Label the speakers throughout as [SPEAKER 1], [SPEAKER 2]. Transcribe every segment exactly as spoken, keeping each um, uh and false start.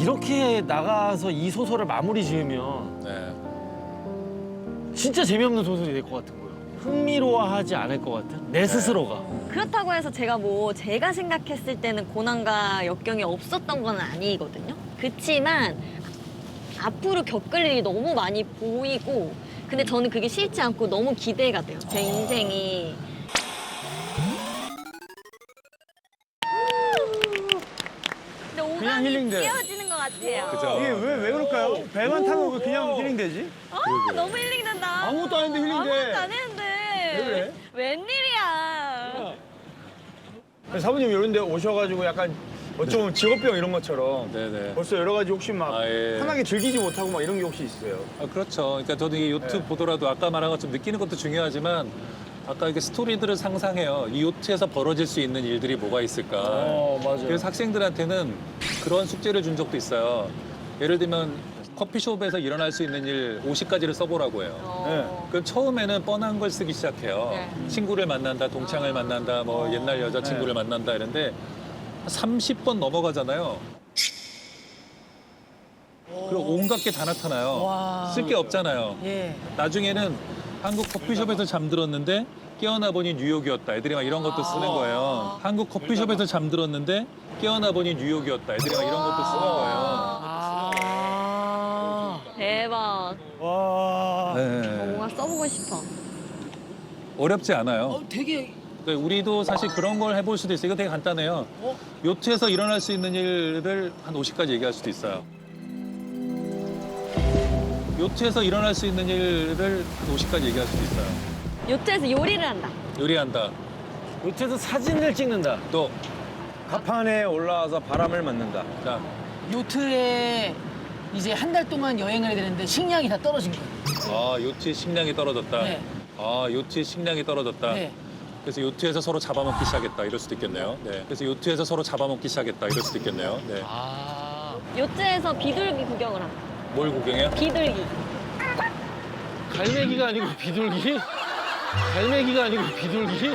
[SPEAKER 1] 이렇게 나가서 이 소설을 마무리 지으면
[SPEAKER 2] 네.
[SPEAKER 1] 진짜 재미없는 소설이 될 것 같은 거예요. 흥미로워하지 않을 것 같은 내 스스로가.
[SPEAKER 3] 그렇다고 해서 제가 뭐 제가 생각했을 때는 고난과 역경이 없었던 건 아니거든요. 그치만 앞으로 겪을 일이 너무 많이 보이고 근데 저는 그게 싫지 않고 너무 기대가 돼요. 제 인생이. 근데 오감이
[SPEAKER 4] 힐링돼.
[SPEAKER 3] 띄어지는 것 같아요.
[SPEAKER 2] 그죠?
[SPEAKER 4] 이게 왜, 왜 그럴까요? 배만 타면 왜 그냥 힐링되지?
[SPEAKER 3] 아, 너무 힐링된다.
[SPEAKER 4] 아무것도 아닌데 힐링돼.
[SPEAKER 3] 아무것도 안 했는데.
[SPEAKER 4] 왜 그래?
[SPEAKER 3] 웬일이야.
[SPEAKER 4] 사부님 이런 데 오셔가지고 약간 어쩌면 직업병 이런 것처럼
[SPEAKER 2] 네네.
[SPEAKER 4] 벌써 여러 가지 혹시 막
[SPEAKER 2] 아, 예.
[SPEAKER 4] 편하게 즐기지 못하고 막 이런 게 혹시 있어요?
[SPEAKER 2] 아, 그렇죠. 그러니까 저도 이 요트
[SPEAKER 4] 네.
[SPEAKER 2] 보더라도 아까 말한 것처럼 느끼는 것도 중요하지만 아까 이게 스토리들을 상상해요. 이 요트에서 벌어질 수 있는 일들이 뭐가 있을까.
[SPEAKER 4] 어, 맞아요.
[SPEAKER 2] 그래서 학생들한테는 그런 숙제를 준 적도 있어요. 예를 들면 커피숍에서 일어날 수 있는 일 오십 가지를 써보라고 해요.
[SPEAKER 3] 어.
[SPEAKER 2] 그럼 처음에는 뻔한 걸 쓰기 시작해요.
[SPEAKER 3] 네.
[SPEAKER 2] 친구를 만난다, 동창을 만난다, 뭐 옛날 여자친구를 만난다 이런데 삼십 번 넘어가잖아요. 그리고 온갖 게 다 나타나요. 쓸 게 없잖아요.
[SPEAKER 5] 예.
[SPEAKER 2] 나중에는 한국 커피숍에서 잠들었는데 깨어나 보니 뉴욕이었다. 애들이 막 이런 것도 쓰는 거예요. 한국 커피숍에서 잠들었는데 깨어나 보니 뉴욕이었다. 애들이 막 이런 것도 쓰는 거예요.
[SPEAKER 5] 아.
[SPEAKER 3] 대박.
[SPEAKER 4] 와.
[SPEAKER 2] 네.
[SPEAKER 3] 뭔가 써보고 싶어.
[SPEAKER 2] 어렵지 않아요.
[SPEAKER 5] 어, 되게
[SPEAKER 2] 그러니까 우리도 사실 그런 걸 해볼 수도 있어요. 이거 되게 간단해요.
[SPEAKER 5] 어?
[SPEAKER 2] 요트에서 일어날 수 있는 일을 한 오십 가지 얘기할 수도 있어요. 요트에서 일어날 수 있는 일을 한 오십 가지 얘기할 수도 있어요.
[SPEAKER 3] 요트에서 요리를 한다.
[SPEAKER 2] 요리한다.
[SPEAKER 1] 요트에서 사진을 찍는다.
[SPEAKER 2] 또,
[SPEAKER 4] 가판에 올라와서 바람을 맞는다.
[SPEAKER 2] 자,
[SPEAKER 5] 요트에 이제 한 달 동안 여행을 해야 되는데 식량이 다 떨어진 거예요.
[SPEAKER 2] 아, 요트의 식량이 떨어졌다.
[SPEAKER 5] 네.
[SPEAKER 2] 아, 요트의 식량이 떨어졌다.
[SPEAKER 5] 네.
[SPEAKER 2] 그래서 요트에서 서로 잡아먹기 시작했다. 이럴 수도 있겠네요. 네. 그래서 요트에서 서로 잡아먹기 시작했다. 이럴 수도 있겠네요. 네.
[SPEAKER 5] 아.
[SPEAKER 3] 요트에서 비둘기 구경을 한다.
[SPEAKER 2] 뭘 구경해요?
[SPEAKER 3] 비둘기.
[SPEAKER 1] 갈매기가 아니고 비둘기? 갈매기가 아니고 비둘기?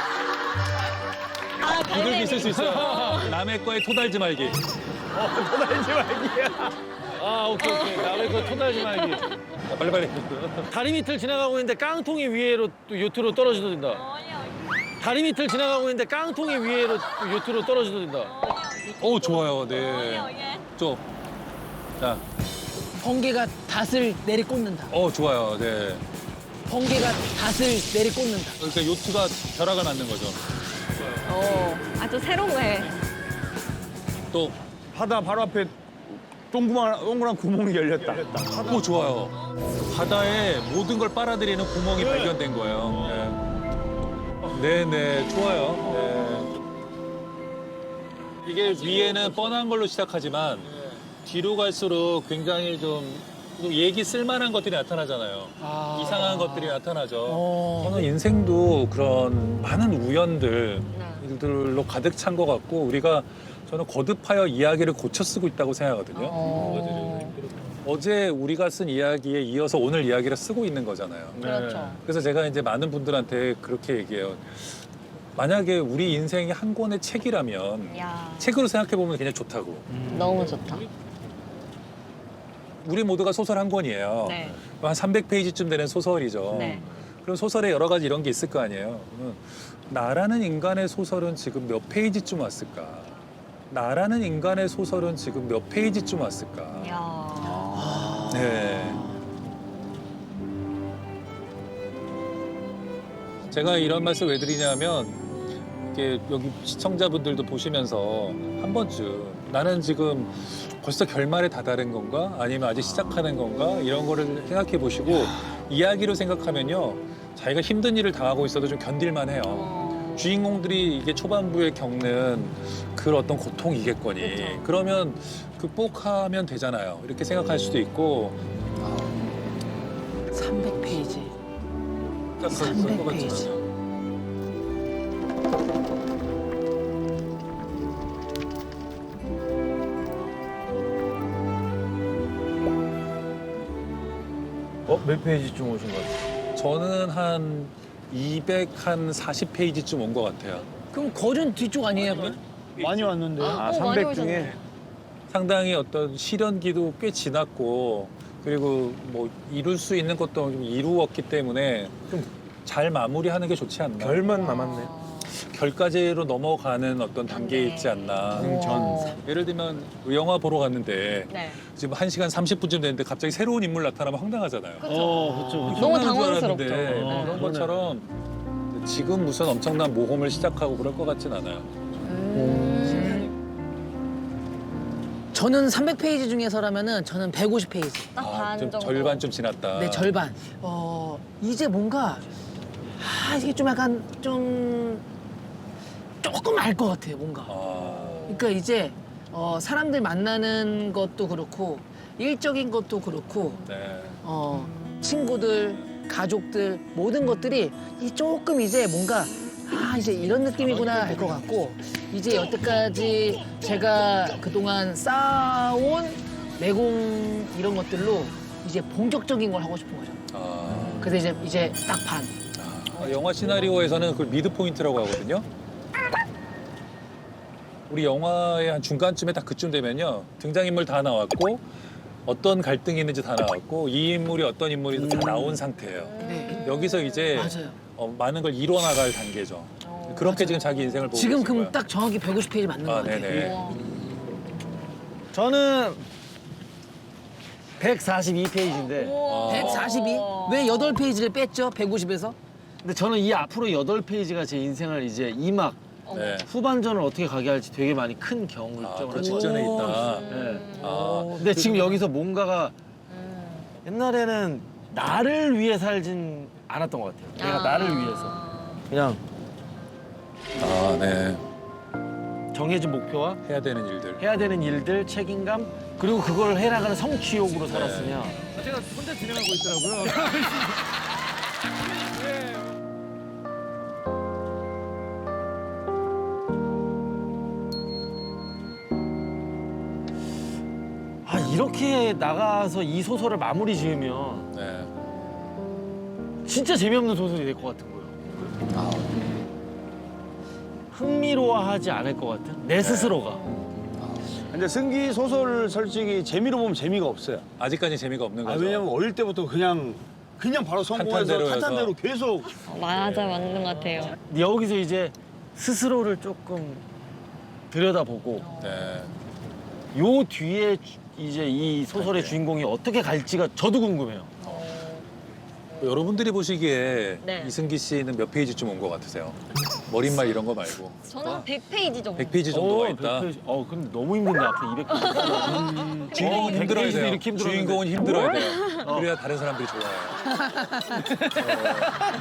[SPEAKER 3] 아,
[SPEAKER 2] 비둘기
[SPEAKER 3] 갈매기.
[SPEAKER 2] 있을 수 있어요. 남의 거에 토달지 말기.
[SPEAKER 4] 토달지 말기야.
[SPEAKER 1] 아, 오케이, 오케이. 남의 거 토달지 말기.
[SPEAKER 2] 자, 빨리빨리.
[SPEAKER 1] 다리 밑을 지나가고 있는데 깡통이 위에로 또 요트로 떨어지던다. 다리 밑을 지나가고 있는데 깡통이 위에로 또 요트로 떨어지던다.
[SPEAKER 2] 오, 좋아요. 네. 좀. 자,
[SPEAKER 5] 번개가 닷을 내리꽂는다.
[SPEAKER 2] 어, 좋아요. 네.
[SPEAKER 5] 번개가 닷을 내리꽂는다.
[SPEAKER 2] 그러니까 요트가 벼락을 맞는 거죠.
[SPEAKER 3] 어, 아주 새로운 거 해.
[SPEAKER 2] 또,
[SPEAKER 4] 바다 바로 앞에 동그란, 동그란 구멍이 열렸다.
[SPEAKER 2] 오, 좋아요. 바다에 모든 걸 빨아들이는 구멍이 발견된 거예요. 네, 네, 좋아요. 네. 이게 위에는 뻔한 걸로 시작하지만 뒤로 갈수록 굉장히 좀 얘기 쓸만한 것들이 나타나잖아요.
[SPEAKER 5] 아.
[SPEAKER 2] 이상한 것들이 나타나죠.
[SPEAKER 5] 어.
[SPEAKER 2] 저는 인생도 그런 많은 우연들로 가득 찬 것 같고 우리가 저는 거듭하여 이야기를 고쳐 쓰고 있다고 생각하거든요.
[SPEAKER 5] 어.
[SPEAKER 2] 어제 우리가 쓴 이야기에 이어서 오늘 이야기를 쓰고 있는 거잖아요.
[SPEAKER 5] 그렇죠.
[SPEAKER 2] 그래서 제가 이제 많은 분들한테 그렇게 얘기해요. 만약에 우리 인생이 한 권의 책이라면
[SPEAKER 3] 야,
[SPEAKER 2] 책으로 생각해 보면 그냥 좋다고.
[SPEAKER 3] 너무 좋다.
[SPEAKER 2] 우리 모두가 소설 한 권이에요.
[SPEAKER 3] 네.
[SPEAKER 2] 한 삼백 페이지쯤 되는 소설이죠.
[SPEAKER 3] 네.
[SPEAKER 2] 그럼 소설에 여러 가지 이런 게 있을 거 아니에요. 그러면 나라는 인간의 소설은 지금 몇 페이지쯤 왔을까? 나라는 인간의 소설은 지금 몇 페이지쯤 왔을까?
[SPEAKER 3] 야.
[SPEAKER 2] 네. 제가 이런 말씀 왜 드리냐면 이렇게 여기 시청자분들도 보시면서 한 번쯤 나는 지금 벌써 결말에 다다른 건가? 아니면 아직 시작하는 건가? 이런 거를 생각해 보시고 이야기로 생각하면요. 자기가 힘든 일을 당하고 있어도 좀 견딜만 해요.
[SPEAKER 3] 어.
[SPEAKER 2] 주인공들이 이게 초반부에 겪는 그 어떤 고통이겠거니. 그러면 극복하면 되잖아요. 이렇게 생각할 수도 있고.
[SPEAKER 5] 삼백 페이지.
[SPEAKER 2] 딱 그럴 것
[SPEAKER 5] 삼백 페이지.
[SPEAKER 2] 같잖아요.
[SPEAKER 4] 어? 몇 페이지쯤 오신 것 같아요?
[SPEAKER 2] 저는 한 이백사십 페이지쯤 온 것 같아요.
[SPEAKER 5] 그럼 거전 뒤쪽 아니에요? 그럼?
[SPEAKER 4] 많이 왔는데.
[SPEAKER 3] 아,
[SPEAKER 4] 아,
[SPEAKER 3] 어, 많이
[SPEAKER 4] 삼백 중에.
[SPEAKER 3] 오셨네.
[SPEAKER 2] 상당히 어떤 실현기도 꽤 지났고 그리고 뭐 이룰 수 있는 것도 좀 이루었기 때문에 좀 잘 마무리하는 게 좋지 않나.
[SPEAKER 4] 결만 남았네.
[SPEAKER 2] 결까지로 넘어가는 어떤 단계에 있지 않나.
[SPEAKER 3] 어.
[SPEAKER 2] 예를 들면 영화 보러 갔는데
[SPEAKER 3] 네.
[SPEAKER 2] 지금 한 시간 삼십 분쯤 됐는데 갑자기 새로운 인물 나타나면 황당하잖아요.
[SPEAKER 1] 어, 그렇죠. 그렇죠.
[SPEAKER 3] 너무
[SPEAKER 2] 황당한 줄
[SPEAKER 3] 당황스럽죠.
[SPEAKER 2] 알았는데
[SPEAKER 1] 네.
[SPEAKER 2] 그런
[SPEAKER 1] 그러네.
[SPEAKER 2] 것처럼 지금 무슨 엄청난 모험을 시작하고 그럴 것 같진 않아요.
[SPEAKER 3] 음.
[SPEAKER 5] 저는 삼백 페이지 중에서라면은 저는 백오십 페이지.
[SPEAKER 3] 딱 반
[SPEAKER 2] 아, 좀
[SPEAKER 3] 정도.
[SPEAKER 2] 절반 좀 지났다.
[SPEAKER 5] 네, 절반. 어, 이제 뭔가 아, 이게 좀 약간 좀 조금 알 것 같아요, 뭔가.
[SPEAKER 2] 아,
[SPEAKER 5] 그러니까 이제 어, 사람들 만나는 것도 그렇고 일적인 것도 그렇고
[SPEAKER 2] 네.
[SPEAKER 5] 어, 친구들, 가족들 모든 것들이 이 조금 이제 뭔가 아 이제 이런 느낌이구나 알 것 같고 이제 여태까지 제가 그동안 쌓아온 내공 이런 것들로 이제 본격적인 걸 하고 싶은 거죠.
[SPEAKER 2] 아,
[SPEAKER 5] 그래서 이제 이제 딱 반.
[SPEAKER 2] 아, 영화 시나리오에서는 그걸 미드 포인트라고 하거든요. 우리 영화의 한 중간쯤에 딱 그쯤 되면요. 등장인물 다 나왔고 어떤 갈등이 있는지 다 나왔고 이 인물이 어떤 인물인지 다 나온 상태예요.
[SPEAKER 5] 네.
[SPEAKER 2] 여기서 이제
[SPEAKER 5] 맞아요.
[SPEAKER 2] 어, 많은 걸 이뤄나갈 단계죠. 그렇게 지금 자기 인생을 보고
[SPEAKER 5] 지금
[SPEAKER 2] 계신
[SPEAKER 5] 그럼
[SPEAKER 2] 거야.
[SPEAKER 5] 딱 정확히 백오십 페이지 맞는 것
[SPEAKER 2] 아,
[SPEAKER 5] 같아요.
[SPEAKER 2] 네네.
[SPEAKER 3] 우와.
[SPEAKER 1] 저는 백사십이 페이지인데
[SPEAKER 3] 우와.
[SPEAKER 5] 백사십이? 왜 여덟 페이지를 뺐죠? 백오십에서?
[SPEAKER 1] 근데 저는 이 앞으로 여덟 페이지가 제 인생을 이제 이 막
[SPEAKER 2] 네.
[SPEAKER 1] 후반전을 어떻게 가게 할지 되게 많이 큰
[SPEAKER 2] 아,
[SPEAKER 1] 경험을
[SPEAKER 2] 그 직전에 있다.
[SPEAKER 1] 네.
[SPEAKER 2] 아,
[SPEAKER 1] 근데 지금 여기서 뭔가가
[SPEAKER 3] 음.
[SPEAKER 1] 옛날에는 나를 위해 살진 않았던 것 같아요. 내가
[SPEAKER 3] 아.
[SPEAKER 1] 나를 위해서 그냥
[SPEAKER 2] 아, 네.
[SPEAKER 1] 정해진 목표와
[SPEAKER 2] 해야 되는 일들.
[SPEAKER 1] 해야 되는 일들, 책임감 그리고 그걸 해나가는 성취욕으로 살았으면 제가 혼자 진행하고 있더라고요. 아 이렇게 나가서 이 소설을 마무리 지으면
[SPEAKER 2] 네.
[SPEAKER 1] 진짜 재미없는 소설이 될 것 같은 거예요. 흥미로워하지 않을 것 같은 내 스스로가.
[SPEAKER 4] 근데 승기 소설 솔직히 재미로 보면 재미가 없어요.
[SPEAKER 2] 아직까지 재미가 없는
[SPEAKER 4] 아,
[SPEAKER 2] 거죠.
[SPEAKER 4] 왜냐면 어릴 때부터 그냥 그냥 바로 성공해서
[SPEAKER 2] 탄탄대로여서.
[SPEAKER 4] 탄탄대로 계속
[SPEAKER 3] 어, 맞아, 맞는 것 같아요.
[SPEAKER 1] 여기서 이제 스스로를 조금 들여다보고
[SPEAKER 2] 네.
[SPEAKER 1] 요 뒤에 주- 이제 이 소설의 주인공이 어떻게 갈지가 저도 궁금해요.
[SPEAKER 2] 여러분들이 보시기에
[SPEAKER 3] 네.
[SPEAKER 2] 이승기 씨는 몇 페이지쯤 온 것 같으세요? 머릿말 이런 거 말고.
[SPEAKER 3] 저는 한 백 페이지 정도.
[SPEAKER 2] 백 페이지 정도가
[SPEAKER 1] 어,
[SPEAKER 2] 있다.
[SPEAKER 1] 백 페이지. 어, 근데 너무 힘든데 앞에 이백 페이지.
[SPEAKER 2] 음, 주인공은
[SPEAKER 1] 백
[SPEAKER 2] 힘들어야
[SPEAKER 1] 페이지도
[SPEAKER 2] 돼요.
[SPEAKER 1] 이렇게 힘들었는데.
[SPEAKER 2] 주인공은 힘들어야 돼요. 그래야 다른 사람들이 좋아해요. 어.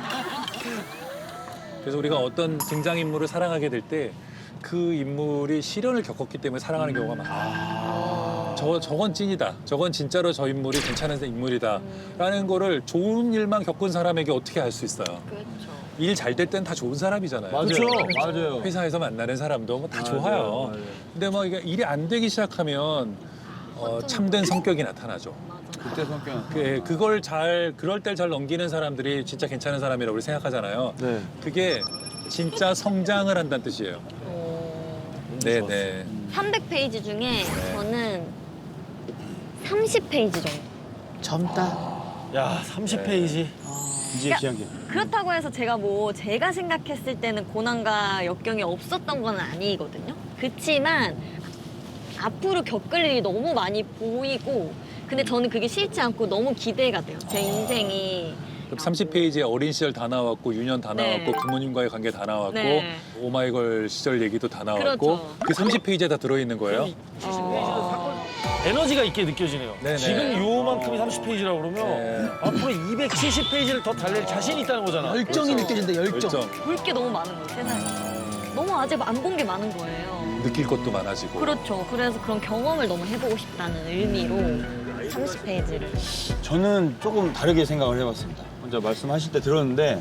[SPEAKER 2] 그래서 우리가 어떤 등장인물을 사랑하게 될 때 그 인물이 시련을 겪었기 때문에 사랑하는 경우가 많아요. 저, 저건 찐이다. 저건 진짜로 저 인물이 괜찮은 인물이다. 라는 거를 좋은 일만 겪은 사람에게 어떻게 알 수 있어요.
[SPEAKER 3] 그렇죠.
[SPEAKER 2] 일 잘 될 땐 다 좋은 사람이잖아요.
[SPEAKER 4] 맞아요.
[SPEAKER 1] 그쵸?
[SPEAKER 4] 맞아요.
[SPEAKER 2] 회사에서 만나는 사람도 뭐다
[SPEAKER 4] 맞아요,
[SPEAKER 2] 좋아요.
[SPEAKER 4] 맞아요.
[SPEAKER 2] 근데 뭐 이게 일이 안 되기 시작하면 어, 참된 성격이 나타나죠.
[SPEAKER 4] 그때 성격.
[SPEAKER 2] 그, 그걸 잘 그럴 때 잘 넘기는 사람들이 진짜 괜찮은 사람이라고 우리 생각하잖아요.
[SPEAKER 1] 네.
[SPEAKER 2] 그게 진짜 성장을 한다는 뜻이에요. 네네.
[SPEAKER 3] 삼백 페이지 중에 저는 삼십 페이지 정도.
[SPEAKER 5] 젊다.
[SPEAKER 1] 야, 삼십 페이지.
[SPEAKER 4] 이제
[SPEAKER 3] 야.
[SPEAKER 4] 기억이.
[SPEAKER 3] 그렇다고 해서 제가 뭐 제가 생각했을 때는 고난과 역경이 없었던 건 아니거든요. 그치만 앞으로 겪을 일이 너무 많이 보이고 근데 저는 그게 싫지 않고 너무 기대가 돼요. 제 인생이.
[SPEAKER 2] 그럼 삼십 페이지에 어린 시절 다 나왔고 유년 다
[SPEAKER 3] 네.
[SPEAKER 2] 나왔고 부모님과의 관계 다 나왔고
[SPEAKER 3] 네.
[SPEAKER 2] 오마이걸 시절 얘기도 다 나왔고
[SPEAKER 3] 그렇죠.
[SPEAKER 2] 그 삼십 페이지에 다 들어있는 거예요?
[SPEAKER 3] 어...
[SPEAKER 1] 에너지가 있게 느껴지네요.
[SPEAKER 2] 네네.
[SPEAKER 1] 지금 요만큼이 삼십 페이지라고 그러면
[SPEAKER 2] 네.
[SPEAKER 1] 앞으로 이백칠십 페이지를 더 달릴 자신이 있다는 거잖아.
[SPEAKER 5] 열정이 느껴진다, 열정.
[SPEAKER 2] 열정.
[SPEAKER 3] 볼 게 너무 많은 거예요, 세상에. 너무 아직 안 본 게 많은 거예요.
[SPEAKER 2] 느낄 것도 많아지고.
[SPEAKER 3] 그렇죠. 그래서 그런 경험을 너무 해보고 싶다는 의미로 삼십 페이지를.
[SPEAKER 4] 저는 조금 다르게 생각을 해봤습니다. 먼저 말씀하실 때 들었는데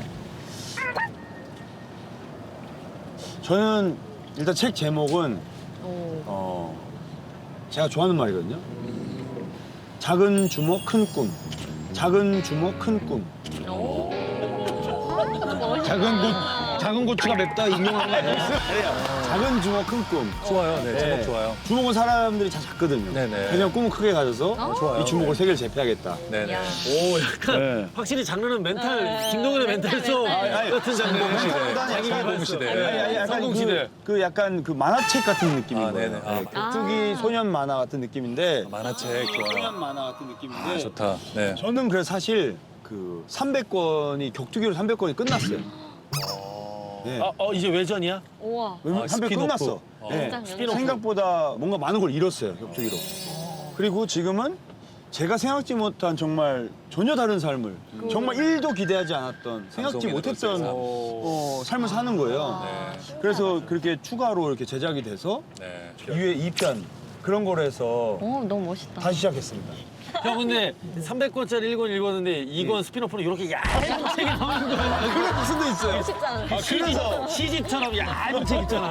[SPEAKER 4] 저는 일단 책 제목은
[SPEAKER 3] 오.
[SPEAKER 4] 어 제가 좋아하는 말이거든요. 작은 주먹 큰 꿈. 작은 주먹 큰 꿈.
[SPEAKER 3] 오.
[SPEAKER 4] 작은 꿈 작은 고추가 맵다 인용한 거 아니에요? 작은 주먹 큰 꿈.
[SPEAKER 2] 좋아요. 네, 제목
[SPEAKER 4] 네.
[SPEAKER 2] 좋아요.
[SPEAKER 4] 주먹은 사람들이 다 작거든요.
[SPEAKER 2] 네네.
[SPEAKER 4] 그냥 꿈을 크게 가져서
[SPEAKER 3] 어,
[SPEAKER 2] 좋아요.
[SPEAKER 4] 이 주먹을 세계를 제패하겠다.
[SPEAKER 2] 네네.
[SPEAKER 3] 야.
[SPEAKER 1] 오 약간
[SPEAKER 4] 네.
[SPEAKER 1] 확실히 장르는 멘탈
[SPEAKER 3] 네,
[SPEAKER 1] 김동현의
[SPEAKER 3] 멘탈,
[SPEAKER 1] 멘탈 속
[SPEAKER 3] 멘탈.
[SPEAKER 4] 아니,
[SPEAKER 1] 같은 장르.
[SPEAKER 2] 성공시대.
[SPEAKER 1] 자기
[SPEAKER 2] 성공시대.
[SPEAKER 1] 개발서.
[SPEAKER 2] 네.
[SPEAKER 4] 아니, 약간
[SPEAKER 1] 성공시대.
[SPEAKER 4] 그, 그 약간 그 만화책 같은 느낌인
[SPEAKER 2] 아,
[SPEAKER 4] 거예요.
[SPEAKER 2] 네네. 아,
[SPEAKER 4] 네, 격투기
[SPEAKER 3] 아.
[SPEAKER 4] 소년 만화 같은 느낌인데
[SPEAKER 2] 만화책 좋아요.
[SPEAKER 4] 소년 만화 같은 느낌인데
[SPEAKER 2] 아, 좋다. 네.
[SPEAKER 4] 저는 그래서 사실 그 삼백 권이 격투기로 삼백 권이 끝났어요. 네.
[SPEAKER 1] 아, 어 이제 외전이야?
[SPEAKER 3] 우와.
[SPEAKER 4] 왜냐면
[SPEAKER 2] 아,
[SPEAKER 4] 삼백
[SPEAKER 2] 스피노프.
[SPEAKER 4] 끝났어.
[SPEAKER 2] 어.
[SPEAKER 4] 네.
[SPEAKER 3] 진짜
[SPEAKER 1] 스피노프.
[SPEAKER 4] 생각보다 뭔가 많은 걸 잃었어요, 격투기로. 그리고 지금은 제가 생각지 못한 정말 전혀 다른 삶을 정말 일도 기대하지 않았던 생각지
[SPEAKER 2] 방송인으로서의
[SPEAKER 4] 못했던
[SPEAKER 2] 삶.
[SPEAKER 4] 어, 삶을 사는 거예요.
[SPEAKER 2] 네.
[SPEAKER 4] 그래서 그렇게 추가로 이렇게 제작이 돼서
[SPEAKER 2] 네.
[SPEAKER 4] 이 회 이 편 그런 거로 해서
[SPEAKER 3] 오, 너무 멋있다.
[SPEAKER 4] 다시 시작했습니다.
[SPEAKER 1] 형 근데 삼백 권짜리 일 권 읽었는데 이 권 스피노프는 이렇게 얇은 책이 나오는 거야.
[SPEAKER 4] 그럴 수도 있어요.
[SPEAKER 3] 쉽지 않아.
[SPEAKER 1] 그래서 시집처럼 얇은 책 있잖아.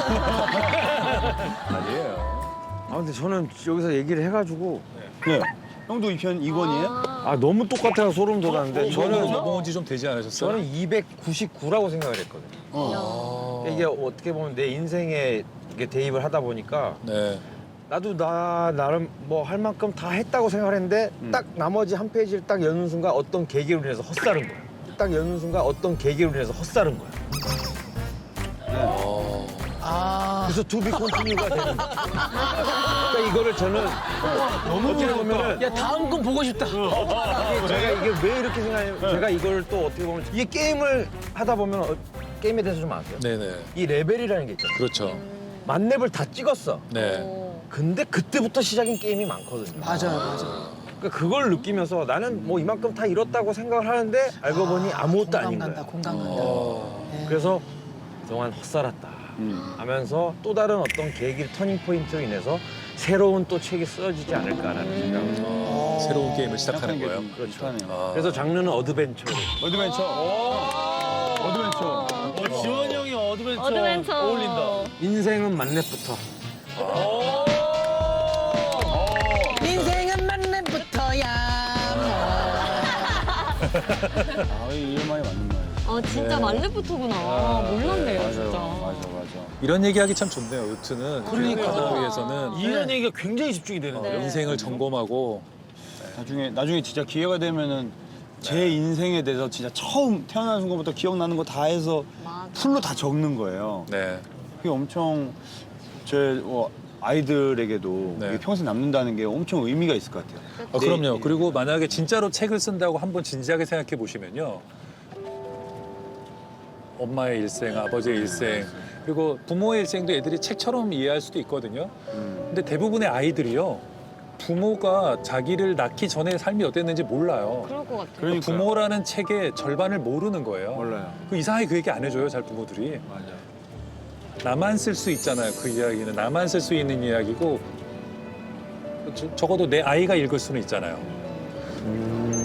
[SPEAKER 2] 아니에요.
[SPEAKER 6] 아 근데 저는 여기서 얘기를 해가지고
[SPEAKER 4] 네. 형도 이 편 이 권이에요?
[SPEAKER 6] 아 너무 똑같아서 소름 돋았는데
[SPEAKER 2] 저는
[SPEAKER 6] 저는
[SPEAKER 2] 먹어본 지 좀 되지 않으셨어요?
[SPEAKER 6] 저는 이백구십구라고 생각을 했거든요.
[SPEAKER 2] 어.
[SPEAKER 6] 이게 어떻게 보면 내 인생에 이게 대입을 하다 보니까
[SPEAKER 2] 네.
[SPEAKER 6] 나도 나 나름 뭐 할 만큼 다 했다고 생각을 했는데 딱 나머지 한 페이지를 딱 여는 순간 어떤 계기로 인해서 헛살은 거야. 딱 여는 순간 어떤 계기로 인해서 헛살은 거야.
[SPEAKER 2] 어.
[SPEAKER 5] 아,
[SPEAKER 6] 그래서 투비 컨티뉴가 되는 거야. 그러니까 이거를 저는 너무 어떻게 보면은
[SPEAKER 5] 야 다음 건 보고 싶다.
[SPEAKER 6] 이게 제가 이게 왜 이렇게 생각하냐면 제가 이걸 또 어떻게 보면 이게 게임을 하다 보면 어, 게임에 대해서 좀 아세요?
[SPEAKER 2] 네네.
[SPEAKER 6] 이 레벨이라는 게 있잖아요.
[SPEAKER 2] 그렇죠.
[SPEAKER 6] 만렙을 다 찍었어.
[SPEAKER 2] 네.
[SPEAKER 3] 오.
[SPEAKER 6] 근데 그때부터 시작인 게임이 많거든요.
[SPEAKER 5] 맞아요, 맞아요.
[SPEAKER 6] 그러니까 그걸 느끼면서 나는 뭐 이만큼 다 이뤘다고 생각을 하는데 알고 보니 아무것도
[SPEAKER 5] 공감
[SPEAKER 6] 아닌
[SPEAKER 5] 간다,
[SPEAKER 6] 거야.
[SPEAKER 5] 공감 간다.
[SPEAKER 2] 어.
[SPEAKER 5] 네.
[SPEAKER 6] 그래서 그동안 헛살았다
[SPEAKER 4] 음.
[SPEAKER 6] 하면서 또 다른 어떤 계기를 터닝 포인트로 인해서 새로운 또 책이 쓰여지지 않을까라는 생각을 해요.
[SPEAKER 2] 어. 새로운 게임을 시작하는 거예요.
[SPEAKER 6] 그렇죠.
[SPEAKER 2] 아.
[SPEAKER 6] 그래서 장르는 어드벤처로.
[SPEAKER 4] 어드벤처. 어드벤처.
[SPEAKER 1] 어, 지원이 형이 어드벤처,
[SPEAKER 3] 어드벤처.
[SPEAKER 1] 어울린다.
[SPEAKER 6] 인생은 만렙부터.
[SPEAKER 5] 인생은 만렙부터야.
[SPEAKER 4] 아, 이런 말이 맞는 말이에요.
[SPEAKER 3] 아, 진짜 만렙부터구나. 몰랐네요,
[SPEAKER 4] 맞아요.
[SPEAKER 3] 진짜.
[SPEAKER 4] 맞아, 맞아.
[SPEAKER 2] 이런 얘기하기 참 좋네요. 요트는
[SPEAKER 5] 그러니까.
[SPEAKER 2] 하기 위해서는
[SPEAKER 1] 이런 얘기가 굉장히 집중이 되는 거예요.
[SPEAKER 2] 인생을 점검하고
[SPEAKER 4] 나중에 나중에 진짜 기회가 되면은 제 인생에 대해서 진짜 처음 태어난 순간부터 기억나는 거 다 해서
[SPEAKER 3] 맞아.
[SPEAKER 4] 풀로 다 적는 거예요.
[SPEAKER 2] 네.
[SPEAKER 4] 그게 엄청 제 어, 아이들에게도
[SPEAKER 2] 네.
[SPEAKER 4] 이게 평생 남는다는 게 엄청 의미가 있을 것 같아요.
[SPEAKER 2] 아, 그럼요. 그리고 만약에 진짜로 책을 쓴다고 한번 진지하게 생각해 보시면요. 엄마의 일생, 아버지의 일생, 그리고 부모의 일생도 애들이 책처럼 이해할 수도 있거든요.
[SPEAKER 4] 음.
[SPEAKER 2] 근데 대부분의 아이들이요. 부모가 자기를 낳기 전에 삶이 어땠는지 몰라요.
[SPEAKER 3] 그럴 것 같아요.
[SPEAKER 4] 그러니까
[SPEAKER 2] 부모라는 책의 절반을 모르는 거예요.
[SPEAKER 4] 몰라요.
[SPEAKER 2] 그 이상하게 그 얘기 안 해줘요, 잘 부모들이.
[SPEAKER 4] 맞아.
[SPEAKER 2] 나만 쓸 수 있잖아요, 그 이야기는. 나만 쓸 수 있는 이야기고 저- 적어도 내 아이가 읽을 수는 있잖아요.